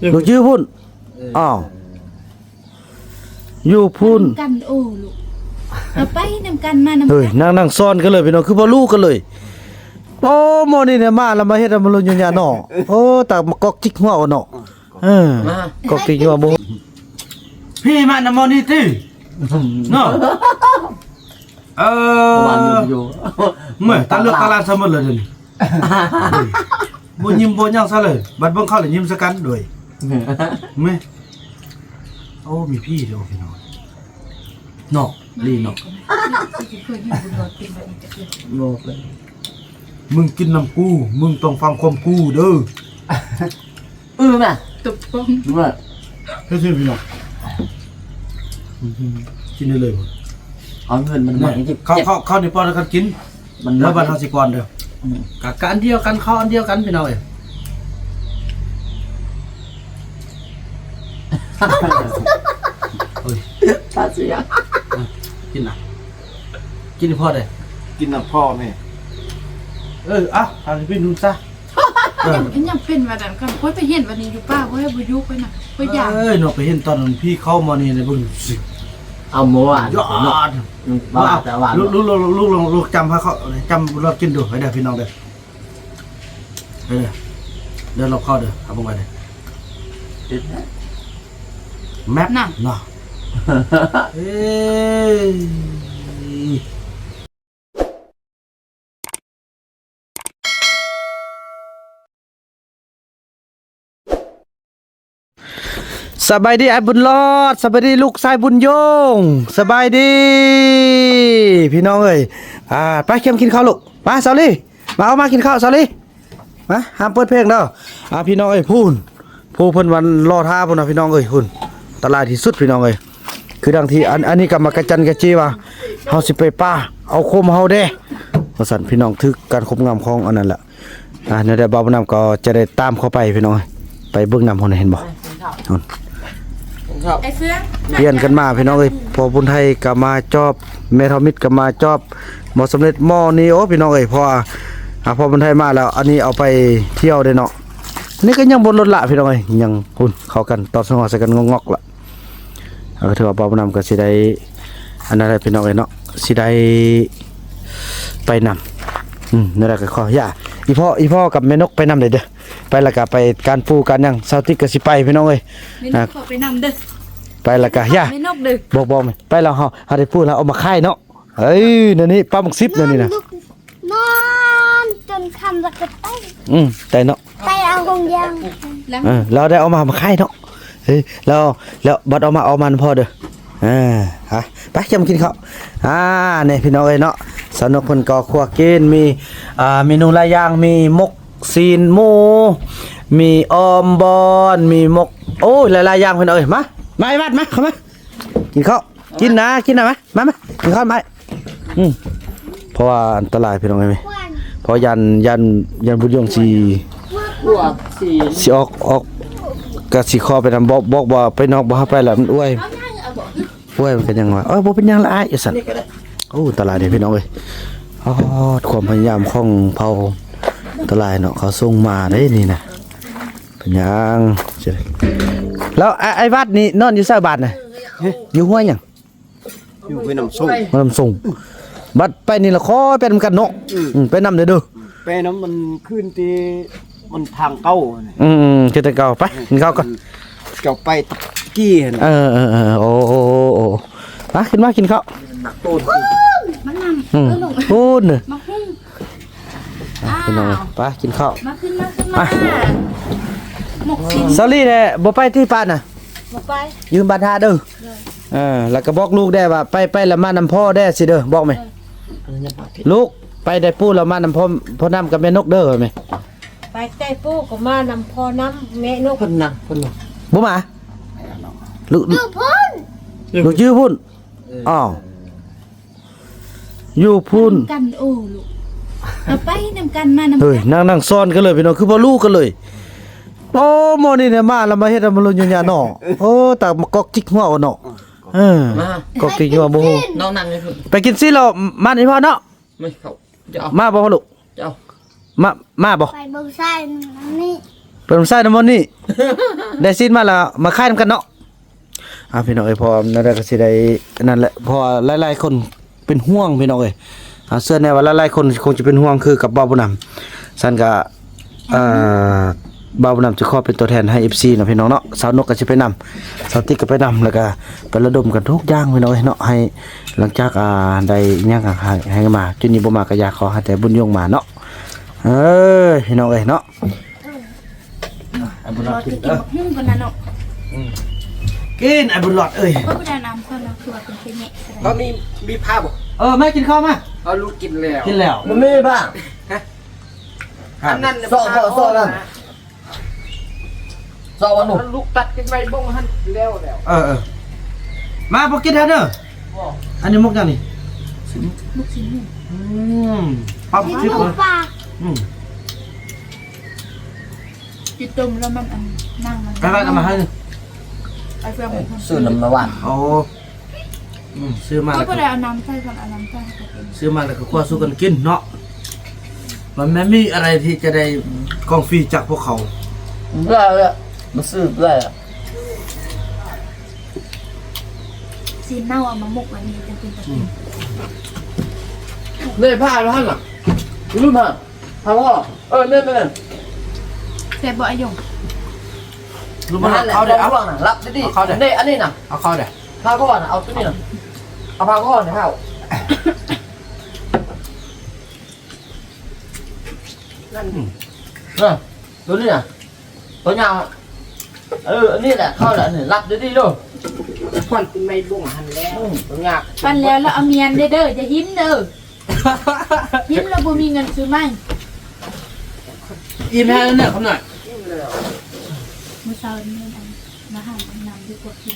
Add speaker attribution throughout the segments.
Speaker 1: ลูกชื่อพุ่นอ้าวอยู่พุ่น
Speaker 2: กันโอ้ลูกเอาไปนำกันมานำ
Speaker 1: เฮ้ยนั่งซ้อนกันเลยพี่น้องคือบ่ลูกกันเลยโอ้โมนี่เนี่ยมาแล้วมาเฮ็ดให้มันลุนอยู่ยาเนาะโอ้ตากกอกจิกหัวเอาเนาะกอกจิกหัวบ่พี่มานำมอนี่ติเนาะ
Speaker 3: วันอยู่
Speaker 1: เมื่อตาเลือกตาลานซะหมดเลยเดี๋ยวนี้บ่ยิ้มบ่หยังซะเลยบัดเบิ่งเขาแล้วยิ้มซะกันด้วยแม่โอ้มีพี่เด้อพี่น้องเนาะลีเนาะ
Speaker 3: บอกเลย
Speaker 1: มึงกินน้ำกูมึงต้องฟังความกูเด้อ
Speaker 3: น่ะ
Speaker 2: ตบป้อง
Speaker 3: รู้ป่ะ
Speaker 1: เฮ้ยพี่น้องกินได้เลยบ่
Speaker 3: เอาเงินมันมาให้
Speaker 1: เข้าในปอนกันกินมันแล้วบัดเฮาสิก่อนเด้อกัอันเดียวกันเข้าอันเดียวกันพี่น้องเอ้ยเฮ้ย
Speaker 3: ตาเสีย
Speaker 1: กินน่ะกินให้พอได้
Speaker 3: กินน้ำพ่อแม่
Speaker 1: ทางพี่นุ่นซะ
Speaker 2: ยังเป็นว่าดันกันค่อยไปเห็นวันนี้อยู่ป้าค่อยบ่ยุกไปน่ะค่อยอยาก
Speaker 1: เนาะไปเห็นตอนนั้นพี่เข้ามานี่ในเบิ่งสิ
Speaker 3: เอาหมูอ่ะ
Speaker 1: ยอด
Speaker 3: ว่าแต่ว่า
Speaker 1: ลูกจำเขาจำเรากินดูให้ได้พี่น้องเด้อเดี๋ยวเราเข้าเด้อเอาบ่ไปเด้อแมปน่ะเนาะสบายดีไอ้บุญรอดสบายดีลูกชายบุญโยงสบายดีพี่น้องเอ้ยไปเข้มกินข้าวลูกมาสาลีมาเอามากินข้าวสาลีมาห้ามเปิดเพลงเด้อพี่น้องเอ้ยผู้เพิ่นวันรอท่าพุ่นน่ะพี่น้องเอ้ยพุ่นตลาดที่สุดพี่น้องเอ้ยคือดังที่อันนี้ก็มากระจันกระจีว่าเฮาสิไปป่าเอาโคมเฮาเด้ว่าซั่นพี่น้องทึกการคบงามของอันนั้นแหละเนี่ยได้บ่าวน้ำก็จะได้ตามเข้าไปพี่น้องไปเบิ่งน้ำพุ่นเห็นบ่
Speaker 2: ไอ้เฟือง
Speaker 1: เปลี่ยนกันมาพี่น้องเอ้ยพอบุญไทยก็มาจอบเมทอมิดก็มาจอบหมอสำเร็จหม้อนี้โอ้พี่น้องเอ้ยพอบุญไทยมาแล้วอันนี้เอาไปเที่ยวได้เนาะนี่ก็ยังบนรถละพี่น้องเอ้ยยังหุ่นเข้ากันตอนสงใส่กันงอกๆละถือว่าบ่าวนำก็สิได้อันนั้นพี่น้องเอ้ยเนาะสิได้ไปนำนั่นแหละก็ขอย่าอีพ่อกับแม่นกไปนำได้เด้อไปแล้วก็ไปการปูการยังเซาติกก็สิไปพี่น้องเอ้ย
Speaker 2: ขอไปนำเด้อ
Speaker 1: ไปแล้วก็ย่า
Speaker 2: ไม่นกดึก
Speaker 1: บอกมั้ยไปแล้วเฮาได้พูดแล้วเอามาค่ายเนาะเฮ้ยนี่ปลาหมึกซิปนี่นะ
Speaker 4: นอนจนคำแล้วก็ไป
Speaker 1: แต่เนาะ
Speaker 4: ไปเอากงยาง
Speaker 1: เราได้เอามาค่ายเนาะเฮ้ยแล้วบัดเอามันพอเด้อฮะไปจะมากินข้าวนี่พี่น้องเอ้ยเนาะสนุกเพิ่นก็ครัวกินมีเมนูหลายอย่างมีมกซีนหมูมีออมบอนมีมกโอ้ยหลายๆอย่างเพิ่นเอ้ยมาไอ้บัดมาเข้ามากินข้าวกินนะมากินข้าวมาเพราะว่าอันตรายพี่น้องเอ้ยเพราะยันบุญยงสิออกก็สิขอไปนำบอกว่าไปนอกบ่ไปแล้วมันอ้วยมันก็ยังว่าบ่เป็นหยังละอ้ายสั่นโอ้ตลาดนี่พี่น้องเอ้ยความพยายามของเผาตลาดเนาะเขาส่งมาได้นี่นะเป็นหยังแล้วไอ้วัดนี่นอนอยู่ไสบ้านน่ะอยู่ห้วยหยัง
Speaker 3: อยู่ไปน้ำ
Speaker 1: ส่งบัดไปนี่ละขอไปนำกันเนาะไปนำเด้อ
Speaker 3: ไปน้ำมันขึ้นที่มันทางเก้า
Speaker 1: จะแต่เก่าไปกินข้าวก่อน
Speaker 3: เก่าไปตะกี้เห็น
Speaker 1: โอ้มาขึ้นมากินข้าว
Speaker 2: มันนำ
Speaker 1: พูด
Speaker 2: มาหุ้ง
Speaker 1: พี่น้องไปกินข้าว
Speaker 2: มาขึ้นหมกสิ
Speaker 1: ซอรี่เนี่ยบ่ไปที่ป้านน่ะ
Speaker 2: บ่ไป
Speaker 1: ยืมบาทาเด้อแล้วก็บอกลูกได้ว่าไปแล้วมานำพ่อได้สิเด้อบอกไหมลูกไปได้ปูแล้วมานำพ่อน้ำกับแม่นกเด้อไหม
Speaker 4: ไปแต่ปูก็มานำพอน้ำแม่นก
Speaker 3: คนน่ะ
Speaker 1: บ่มาลูก
Speaker 4: พุ่น
Speaker 1: ลูกชื่อพุ่นอ้าวอยู่พุ่น
Speaker 2: กันโอ้ลูกเอาไปนำกันมานำ
Speaker 1: เฮ้ยนั่งซ้อนกันเลยพี่น้องคือบ่ลูกกันเลยโอ้โมนี่เนี่ยมาแล้วมาเฮ็ดมันลุนอยู่ยาเนาะโอ้ตากอกจิกหัวเนาะกอกจิกหัวบ่ฮู้
Speaker 3: น้องนั่งเลย
Speaker 1: ไปกินซิแล้วมานี่พ่อเนาะ
Speaker 3: ไม่เข้า
Speaker 1: มาบ่ลูกมาบ่
Speaker 4: ไปเบิ่งซ้ายนี่
Speaker 1: ไปปิดน้ำใส่น้ำมันนี่ ได้สิ้นมาแล้วมาค่ายนำกันเนาะพี่น้องเอ้ยพอนั่นแหละก็สิได้นั่นแหละพอหลายๆคนเป็นห่วงพี่น้องเอ้ยเสื้อแนวว่าหลายๆคนคงจะเป็นห่วงคือกับบ่าวบุญนำซั่นก็บ่าวบุญนำจะขอเป็นตัวแทนให้ FC เนาะพี่น้องเนาะสาวนกก็สิไปนำสาวติ๊กก็ไปนำแล้วก็ไประดมกันทุกอย่างพี่น้องเอ้ยเนาะให้หลังจากได้อิหยังให้มาจุนี้บ่มาก็อยากขอให้แต่บุญยงมาเนาะพี่น้องเอ้ยเนาะบุญรอดกิน
Speaker 2: หุ้มกันนะเนาะ
Speaker 1: กินไอ้บุญรอดเอ้ย
Speaker 2: ก็ไม่ได้น้ำคนนะคือว่าเป็นแค่นี้
Speaker 3: ก็มีผ้าบ่
Speaker 1: แม่กินข้าวมา
Speaker 3: เอาลูกกินแล้ว
Speaker 1: กินแล้ว
Speaker 3: มันไม่บ้าอันนั้นโซ่นั่นโซ่วันหนุ่มลูกตัดกันไปบ้งหันแล้ว
Speaker 1: มาพอกินแล้วเด้ออันนี้มุกยังนี่
Speaker 2: ลูกชิ้นหนึ่ง
Speaker 1: ปั๊บชิบเลย
Speaker 2: จิตตุ่มแล้วมันนั่งมัน
Speaker 1: ไปกันมาให้
Speaker 2: ไอ้เฟื่องเป็นคน
Speaker 3: ซื้อน้ำมาหวาน
Speaker 1: โอ้ซื้อมา
Speaker 2: ก็
Speaker 1: แล้ว
Speaker 2: ไม่ได้เอาน้ำใส่กันเอาน้ำใส่กัน
Speaker 1: ซื้อมาแล้วก็คั่วสู้กันกินเนาะมันไม่มีอะไรที่จะได้กองฟรีจากพวกเขา
Speaker 3: เบื่อเลยมาซื้อเบื่อ
Speaker 2: ซีนเน่าเอามาหมกวันนี้จะเป็นแบบนี้
Speaker 3: เนี่ยผ้าแล้วหั่นหรอรู้มั้ยผ้าว่าเนี่ย
Speaker 2: แต่บ่อยง
Speaker 1: รู้มั้ยเขาได้เอา
Speaker 3: รับดิเนี่ยอันนี้น่ะ
Speaker 1: เอาเข้าได้
Speaker 3: ผ้าก้อนเอาตัวนี้น่ะเอาผ้าก้อนเนี่ยผ้านั่นตัวนี้น่ะตัวยาวอันนี้แหละเข้าแหละนี่รับดิลูกควันไม่บ่งหันแล้วตัวยาว
Speaker 2: ปันแล้วเอาเมียนเด้อจะหิ้มเด้อหิ้มแล้วบ่มีเงินซื้อไหม
Speaker 1: อิ่มแล้วเนี่ยคำหน่อย
Speaker 2: มื้อเช้านี้มาหาน้ำดีกว่ากิน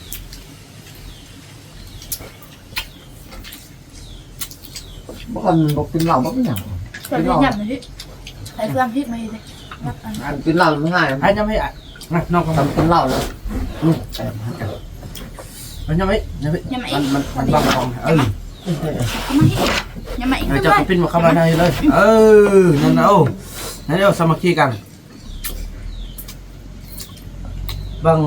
Speaker 3: บอกกินเหล้าไม่อย่าง
Speaker 2: แต่ที่หยับเลยไอ้เฟื่องฮิตมาเลยรับอัน
Speaker 3: กินเหล้าไม่ง่าย
Speaker 1: ไอ้ยังไม่น้องเขา
Speaker 3: ทำกินเหล้าเลย
Speaker 1: มันยังไม่มันบางของ
Speaker 2: เอามาฮิตยังมาอีก
Speaker 1: จะไปปิ้นมาเข้ามาในเลยนั่นเอานั่นเดี๋ยวสามัคคีกันบาง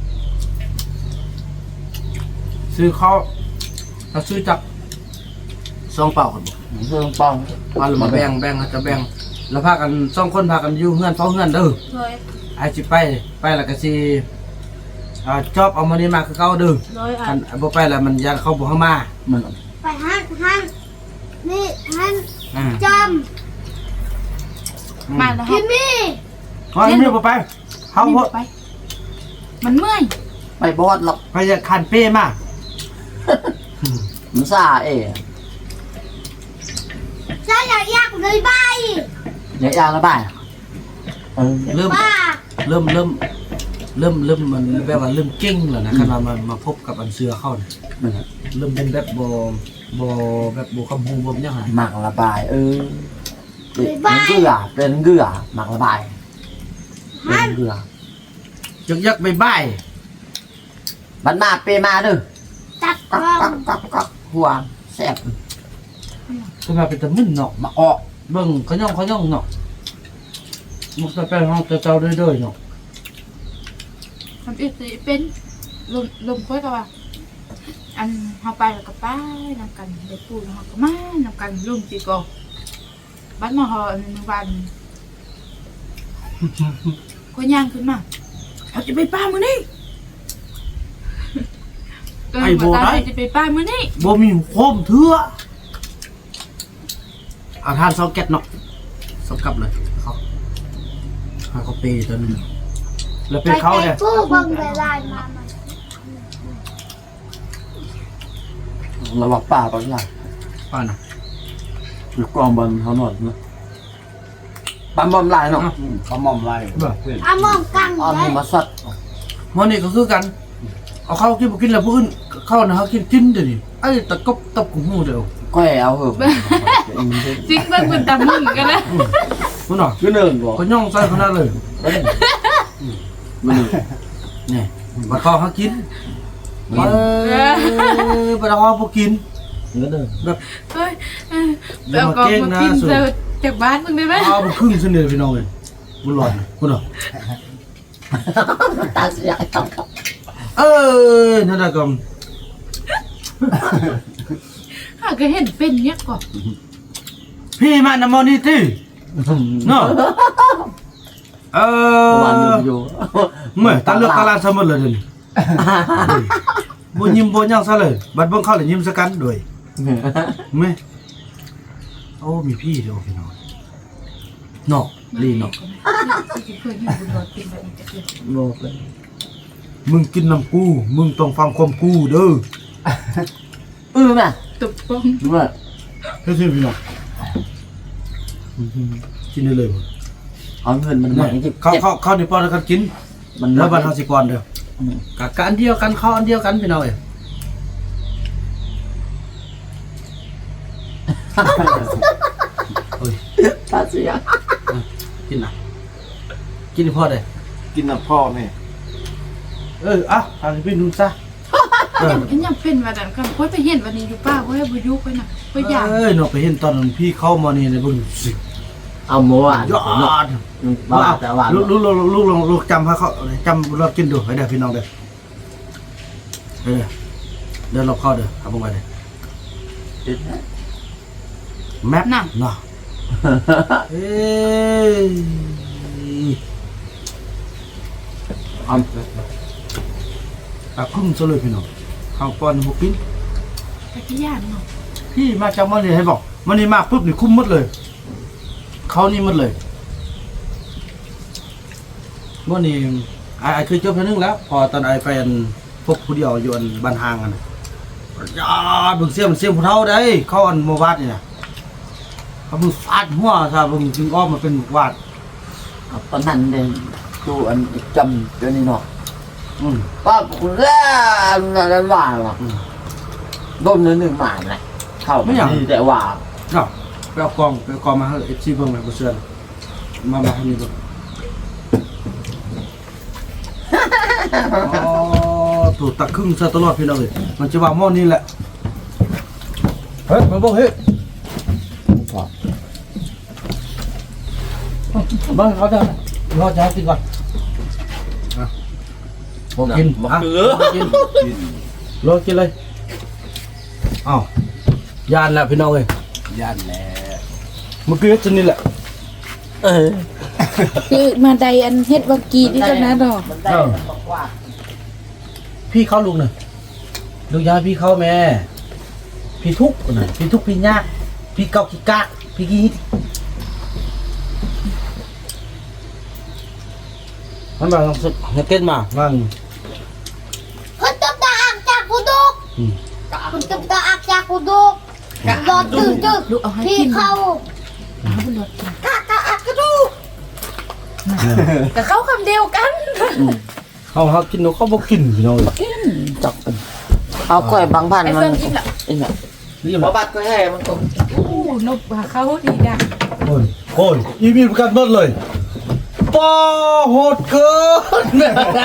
Speaker 1: ซื้อเขาเราซื้อจับซองเปล่ากันบ่
Speaker 3: เรื่องปอง
Speaker 1: มาหรือมาแบ่งจะแบ่งแล้วพากันสองคนพากันอยู่เฮือนเฝ้าเฮือนเด้อ
Speaker 2: เลย
Speaker 1: ไอ้จิไปแล้วก็สิจอบเอามานี่มาคือเก่าเด้อ
Speaker 2: เลยอ่ะ
Speaker 1: คันบ่ไปแล้วมันยันเข้าบ่เข้ามามัน
Speaker 5: ไปหันนี่หันจ
Speaker 2: มาแล้ว
Speaker 5: ำพิมมี่
Speaker 1: ว่าไม่บ่ไปเฮาบ่
Speaker 2: ไปมันเมื่อย
Speaker 3: ไปบอดหรอก
Speaker 1: ไปจะคันเป้มา
Speaker 3: มันซา
Speaker 5: ฉันอยากเลยใบ
Speaker 3: เนี่ยยางละบ่าย
Speaker 1: เริ่ม
Speaker 5: ป้า
Speaker 1: มันแบบว่าเริ่มเก่งแล้วนะคันว่ามาพบกับอันเสือเข้าเนี่ยเริ่มเป็นแบบแบบบ่คำฮูบ่ยังไง
Speaker 3: หมักละบายเป็นเกลือหมักละบายเป็นเกลือ
Speaker 1: ยักไปบ่าย
Speaker 3: บันมาเปมาเด้อ
Speaker 5: ตัดกล้อง
Speaker 3: กักหัวแซ่บ
Speaker 1: ก็มาเป็นตะมึนเนาะมาออกเบิ่งขย่องเนาะมุกไปห้องเจ้าเด้อเนาะ
Speaker 2: ทำอีกสิเป็นลมค่อยกับว่าอันเฮาไปแล้วก็ไปนำกันได้ปูแล้วเฮาก็มานำกันลุงสิก็บ้านมาฮออันวันก็ย่างขึ้นมาเขาจะไปป้ามื้อนี้จะไปป้ามื้อนี้
Speaker 1: บ่มีโคมเถื่อเอาทานซอกเก็ตเนาะซอกกลับเลยเขาเปย์ตัวนึงแล้วเป็นเขาเนี่ย
Speaker 5: ผู้บังเวลามา
Speaker 3: ระวังป่าก่อนนะ
Speaker 1: ป้าน่ะ
Speaker 3: อยู่กองบอลเขาหนวดนะปั๊มบอมลายเนาะเขามอมลาย
Speaker 5: อามองกัง
Speaker 3: อ้อม
Speaker 5: เลย
Speaker 3: มาสัตว์
Speaker 1: วันนี้ก็คือกันเอาเข้ากินบ่กินแล้วผู้อื่นเข้านะเขากินเดี๋ยวนี้ไอ้ตะกบตบกูหูเดียว
Speaker 3: ก้อยเอาเหอะ
Speaker 2: จริงเบิ่งเป็นตามึงกันนะ
Speaker 1: มันเนาะ
Speaker 3: คือหนึ่งบอก
Speaker 1: ก็ย่องใส่ขนาดเลย
Speaker 3: มัน
Speaker 1: นี่บัดคอเขากินบัดคอพวกกิน
Speaker 3: เงินหนึ่ง
Speaker 1: แบบ
Speaker 2: เฮ้ยเอากองมากินเจอจากบ้านมึงได้ไหม
Speaker 1: เอาไปครึ่งเสนอพี่น้องเลยบุญหลอดบุญหลอด
Speaker 3: ตาเสียต้องครับ
Speaker 1: นั่นน่ะก็
Speaker 2: ข้าก็เห็นเป็นเนี้ยก่อน
Speaker 1: พี่มานำมอนี่ติเนาะ
Speaker 3: วันอยู่
Speaker 1: เมื่อตาเลือกตาลานซะหมดเลยเดี๋ยวนี้บ่ยิ้มบ่หยังซะเลยบัดเบิ่งเข้าแล้วยิ้มซะกันด้วยแม่โอ้มีพี่เด้อพี่น้องเนาะลีเนาะ
Speaker 2: ที่เคยเห็นบุญรอดเป็นแบบนี้จะเกิด
Speaker 3: บอกเลย
Speaker 1: มึงกินน้ำกูมึงต้องฟังความกูเด้อ
Speaker 3: น่ะ
Speaker 2: ตบป้อง
Speaker 3: ดูว่า
Speaker 1: เฮ้ยพี่น้องกินได้เลยบ่
Speaker 3: เอาเงินมันมา
Speaker 1: เข้าในปอนแล้วกันกิน
Speaker 3: มัน
Speaker 1: แล้วบัดเฮาสิก่อนเด้อกะอันเดียวกันเข้าอันเดียวกันพี่น้องเอ้ยเฮ้ย
Speaker 3: ตาเสีย
Speaker 1: กินน่ะกินให้พอได้
Speaker 6: กินน้ำพ่อแม่
Speaker 1: อ่ะทางพี่นุ่นซะ
Speaker 2: ยังเป็นวันนั้นกันค่อยไปเห็นวันนี้อยู่ป้าค่อยบุยุไปน่ะค่อยอยาก
Speaker 1: เนาะไปเห็นตอนนั้นพี่เข้ามานี่ในเบิ่งสิ
Speaker 3: เอาหมูอ่ะ
Speaker 1: ยอด
Speaker 3: ว่าแต่ว่า
Speaker 1: ลูกจำเขาจำรถกินดูให้เด้อพี่น้องเด้อเดินรอบเข้าเด้อเอาบ่ไว้เด้อแมปเนาะเอ้ยเอาคุ้มซะเลยพี่น้องข้าวป้อนบ่กิน
Speaker 2: ตะกี้ย่านเนาะ
Speaker 1: พี่มาจากมันนี่ให้บอกมันนี่มาปุ๊บนี่คุ้มหมดเลยเขานี่หมดเลยเมื่อนี่ไอ้เคยเจอเพื่อนนึงแล้ว พอตอนไอ้แฟนพวกผู้เดียวอยู่อันบ้านห่างกันยาบึงเสียมผู้เท่าได้เขาอันโมวาดนี่นะเขาบึงฟาดหัวซะบึงจึงอ้อมมาเป็นวาด
Speaker 3: ตอนนั้นเนี่ยดูอันจำเดี๋ยวนี้เนาะ
Speaker 1: อืม
Speaker 3: ป้าคุณแร่นั่นว่าหรอโดนหนึ่งหมาเลยเข้าไม่อย่างแต่ว่า
Speaker 1: เนาะไปเอากองมาให้เอฟซีเบิ่งเลยบ่เชื่อมาให้นี่เบิ่งอ๋อถูกตักครึ่งซะตลอดพี่น้องเอ้ยมันจะว่าหม้อนี่แหละเฮ้ยมาบอกเฮ้ยบ้านเขาจะรอจะให้กินก่อนผมกินกินรอกินเลยอ้าวยานแล้วพี่น้องเอ้ย
Speaker 6: ย่านแหละ
Speaker 1: เมื่อกี้จะนี่แหละ
Speaker 2: คือมาใดอันเฮ็ดวังกีนี่ก็นะดอก
Speaker 3: มันได้บอกว่า
Speaker 1: พี่เข้าลุงหน่อยลุงยาพี่เข้าแม่พี่ทุกข์หน่อยพี่ทุกข์พี่ยากพี่เกาขี้กะพี่กี้มันมาลองสุดเต้นมาว่าง
Speaker 5: คนตบตาอักจากกูดุกคนตบตาอักจากกูดุกรอตื่นจึก
Speaker 2: ลูกเอาให้
Speaker 5: พี่
Speaker 2: กิน
Speaker 5: เข้า
Speaker 2: เอาบุญรอดกิน
Speaker 5: กะกะอักกระดูก
Speaker 2: กับเขาคำเดียวกัน
Speaker 1: เขากินนกเขาบอกกินพี่น้อง
Speaker 3: จับเอากล้วยบางพัน
Speaker 2: ไอ้
Speaker 3: มั
Speaker 2: เฟิ
Speaker 3: น
Speaker 2: งกินละ
Speaker 1: นี่
Speaker 3: พ
Speaker 1: มา
Speaker 3: อบัดก็ให้มันตก
Speaker 2: อู้นบหาเขาดีดัง
Speaker 1: โคนอีมีประกันหมดเลยป้าโหดเกิน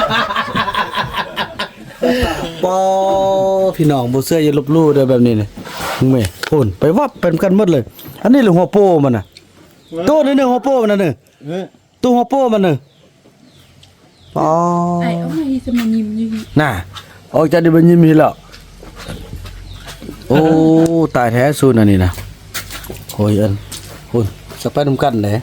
Speaker 1: ป้าพี่น้องบ่เสื้ออย่าลบลู่เด้อแบบนี้นี่มึงแม่โคนไปวับเป็นกันหมดเลย อันนี้หรือหัวโป้มันน่ะตัวนึงหัวโป้มันน่ะนึตัวหัวโป้มันน่ะอ๋อ
Speaker 2: ไอ้เอาให้สมานิมอยู่
Speaker 1: น่ะออกจากดิบันยิมีแล้วโอ้ตายแท้สูนอันนี้นะโอ้ยอันโอ้ยสักไปนำกันเลย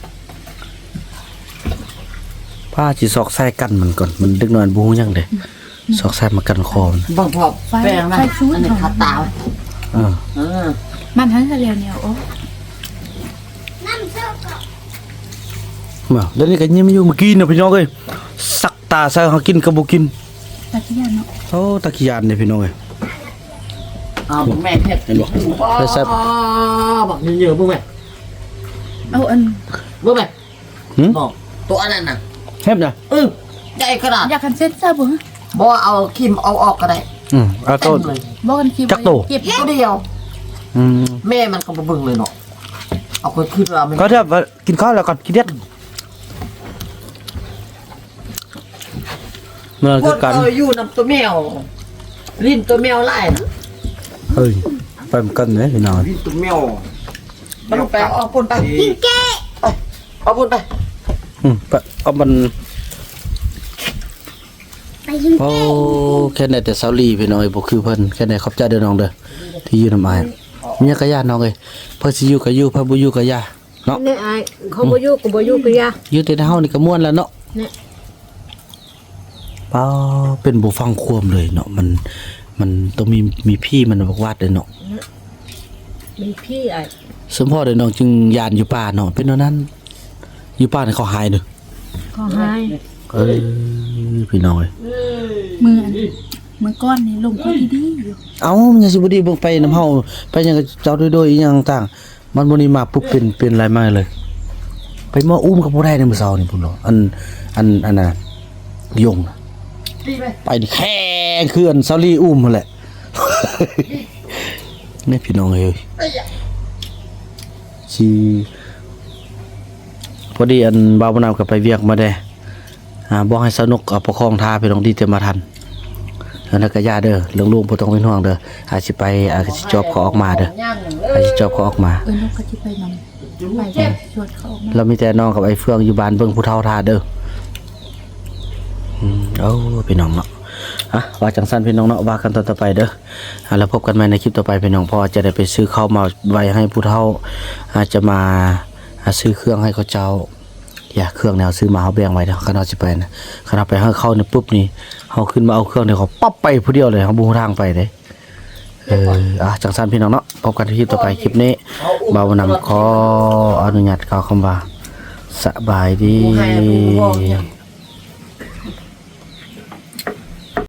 Speaker 1: ผ้าจีซอกใส่กันมันก่อนมันดึกหน่อยบูยังเด้ซอกใส่มากันคอมัน
Speaker 3: บางพอแปลงนะอันนี้ขาตา
Speaker 2: มันทั้งทะเลเนี่ยโอ้
Speaker 5: น้ำเชื่อก่อน
Speaker 1: มาแล้วนี่ก็ยิ้มอยู่เมื่อกี้นะพี่น้องเอ้ยสักตาใส่เขากินกับบ่กิน
Speaker 2: ตะกี้ย่านเนาะ
Speaker 1: โอ้ตะกี้ยานเนี่ยพี่น้องเอ้ย
Speaker 3: เอาแม่เพชร
Speaker 1: เห็นบ่ไปแซ่บ
Speaker 3: บอกเยอะๆพวกแม่
Speaker 2: เอาอัน
Speaker 3: พวกแม่
Speaker 1: หึ
Speaker 3: บอกตัวนั้นน่ะ
Speaker 1: เฮ็บน่ะ
Speaker 3: ใหญ่ขนาด
Speaker 2: อยากกันเซ็ตซะบ่
Speaker 3: บอกเอาคิมเอาออกก็ได้
Speaker 1: เอา
Speaker 3: เต็
Speaker 1: ต้
Speaker 3: ม
Speaker 1: น
Speaker 3: เลย
Speaker 2: บ่กันคิว
Speaker 1: จักโต
Speaker 2: เก็บ
Speaker 3: ตัวเดียว แม่มันก็มาเบิ่งเลยเนาะเอาคนขึ้นเราไม่
Speaker 1: ก็เถอะว่ากินข้าวแล้วก่อนกินเด็ดเมื่อ
Speaker 3: ค
Speaker 1: คือน กัน
Speaker 3: เอาอยู่นำตัวแมวลิ้นตัวแมวไล่นะ
Speaker 1: เฮ้ยไปเหมือนกันเลยพี่น้อง
Speaker 6: พี่ตุ้มแมว
Speaker 3: มันลงไปเอาปนไป
Speaker 5: กินเก้
Speaker 3: เอาปนไป
Speaker 1: ปะเอามัน
Speaker 5: ไปยิง
Speaker 1: โอ้แค่ไหนแต่เซาลีพี่น้องเอ้ยบ่คือเพิ่นแค่ไหนขอบใจเด้อน้องเด้อที่อยู่นำอ้ายมีหยังก็ย่าน้องเอ้ยเพิ่นสิอยู่ก็อยู่เพิ่นบ่อยู่ก็ย่าเนาะ
Speaker 4: นี่ไอ้เขาบ่อยู่ก็บ่อยู่ก็ยา
Speaker 1: อยู่แต่เฮานี่ก็ม่วนแล้วเนาะ
Speaker 4: เนี่ย
Speaker 1: ป้าเป็นบ่ฟังความเลยเนาะมันต้องมีพี่มันบอกวาดเลยเนาะ
Speaker 4: มีพี่ไอ้
Speaker 1: สมพ่อเด้อน้องจึงยานอยู่ป่าเนาะเป็นเท่านั้นอยู่ป่านี่เขาหายเด้อ
Speaker 4: เขาให้
Speaker 1: พี่น้องเอ้ย
Speaker 2: มือก้อนนี่ลงค่อยดีอยู่
Speaker 1: เอ้ามันยังสิบ่ดีเบิ่งไปน้ำเฮาไปหยังก็เจ้าโดยๆอีหยังต่างมันบ่นี่มาปุ๊บเป็นอะไรมาเลย ไปมาอุ้มกับบ่ได้ในมื้อเช้านี่พุ่นเนาะอันน่ะยงน่ะไปนี่แข็งคืออันซาลีอุ้มนั่นแหละ นี่พี่น้องเอ้ยสิพอดีอันบ่าวบ่นำก็ไปเวียกมาได้บอกให้สนุกเอาประคองท่าพี่น้องดีแต่มาทันแล้วก็ย่าเด้อเรื่องลูกบ่ต้องเป็นห่วงเด้ออาจสิไปอาจสิจอบเขาออกมาเด้ออาจสิจอบเขาออกมา
Speaker 2: นกก็จะไปนำไปชวนเขาออกมา
Speaker 1: เรามีแต่น้องกับไอ้เฟืองอยู่บ้านเบิ่งผู้เฒ่าท่าเด้อเอาพี่น้องเนาะว่าจังซั่นพี่น้องเนาะว่ากันต่อไปเด้อแล้วพบกันใหม่ในคลิปต่อไปพี่น้องพอจะได้ไปซื้อข้าวมาไว้ให้ผู้เฒ่าอาจจะมาซื้อเครื่องให้เขาเจ้าอย่าเครื่องแนวซื้อมาเฮาแบ่งไว้เด้อคันเฮาสิไปนะคันเฮาไปให้เขานี่ปุ๊บนี่เฮาขึ้นมาเอาเครื่องนี่เขาปั๊บไปผู้เดียวเลยเฮาบ่ฮู้ทางไปเด้จังซั่นพี่น้องเนาะพบกันที่คลิปต่อไปคลิปนี้บ่าวนำขออนุญาตกล่าวคำว่าสบายดี